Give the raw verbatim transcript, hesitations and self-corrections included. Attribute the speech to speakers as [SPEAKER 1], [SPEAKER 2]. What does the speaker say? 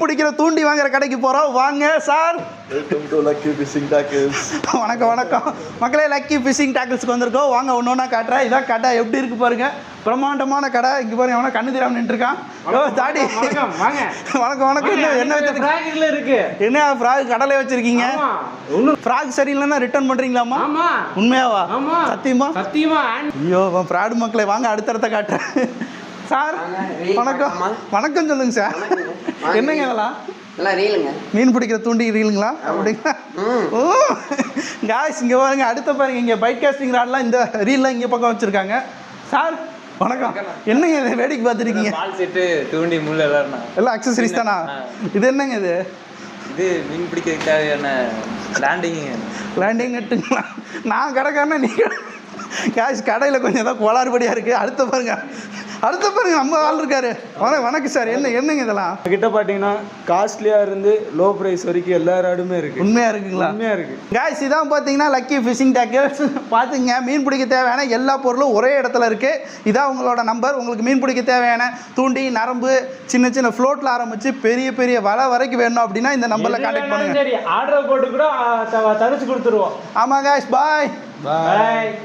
[SPEAKER 1] பிடிக்கிற தூண்டி வாங்குற கடைக்கு போகிறோம். வாங்க sir.
[SPEAKER 2] Welcome to lucky fishing tackles.
[SPEAKER 1] வணக்கம் வணக்கம் மக்களே, லக்கி ஃபிஷிங் டாக்கிள்ஸ்க்கு வந்திருக்கோம். வாங்க ஒன்று ஒன்றா காட்டுறேன். இதான் கடை எப்படி இருக்கு பாருங்க, பிரம்மாண்டமான கடை. இங்கே பாருங்க, அவனை கண்ணு தெரியாமல் நின்றுருக்கான். ஓ தாடி வணக்கம் வணக்கம். என்ன என்ன வச்சிருக்கீங்க? இருக்கு என்ன ஃப்ராக் கடலை வச்சிருக்கீங்க? ஃப்ராக் சரியில்லைன்னா ரிட்டர்ன் பண்றீங்களாமா? உண்மையாவா? சத்தியமா? சத்தியமா. ஐயோ ஃப்ராடு மக்களே, வாங்க அடுத்தடுத்த காட்டுறேன். சார் வணக்கம் வணக்கம் சொல்லுங்க சார். என்னங்க இதெல்லாம்? மீன் பிடிக்கிற தூண்டி ரீலுங்களா? அப்படிங்களா? ஓ காய்ஸ் இங்கே பாருங்க, அடுத்த பாருங்க, இங்கே பைக் காஸ்டிங் ராட்லாம் இந்த ரீல்லாம் இங்கே பக்கம் வச்சுருக்காங்க. சார் வணக்கம். என்னங்க இது வேடிக்கை பார்த்துருக்கீங்க?
[SPEAKER 3] தூண்டி முள் எல்லாம்
[SPEAKER 1] எல்லாம் அக்சசரிஸ் தானா? இது என்னங்க இது?
[SPEAKER 3] இது மீன் பிடிக்கிறதுக்கு தேவையான லேண்டிங்
[SPEAKER 1] லேண்டிங் நட்டுங்களா? நான் கடைக்காரனா நீங்கள் காய்ஸ் கடையில் கொஞ்சம் ஏதாவது கோளாறுபடியாக இருக்குது. அடுத்த பாருங்க அடுத்த பாருங்க நம்ம ஆள் இருக்காரு. வணக்கம் சார். என்ன என்னங்க இதெல்லாம்?
[SPEAKER 2] கிட்ட பார்த்தீங்கன்னா காஸ்ட்லியாக இருந்து லோ ப்ரைஸ் வரைக்கும் எல்லா ராடுமே இருக்குது.
[SPEAKER 1] உண்மையாக இருக்குங்களா?
[SPEAKER 2] உண்மையாக இருக்குது
[SPEAKER 1] காய்ஸ். இதான் பார்த்தீங்கன்னா லக்கி ஃபிஷிங் டாக்கிள்ஸ். பார்த்துங்க, மீன் பிடிக்க தேவையான எல்லா பொருளும் ஒரே இடத்துல இருக்குது. இதான் உங்களோட நம்பர். உங்களுக்கு மீன் பிடிக்க தேவையான தூண்டி, நரம்பு, சின்ன சின்ன ஃப்ளோட்டில் ஆரம்பித்து பெரிய பெரிய வலை வரைக்கும் வேணும் அப்படின்னா இந்த நம்பரில் கான்டாக்ட் பண்ணுங்கள்.
[SPEAKER 4] ஆர்டர் போட்டு கூட தரிச்சு கொடுத்துருவோம்.
[SPEAKER 1] ஆமாம் காய்ஸ், பாய்
[SPEAKER 4] பாய்.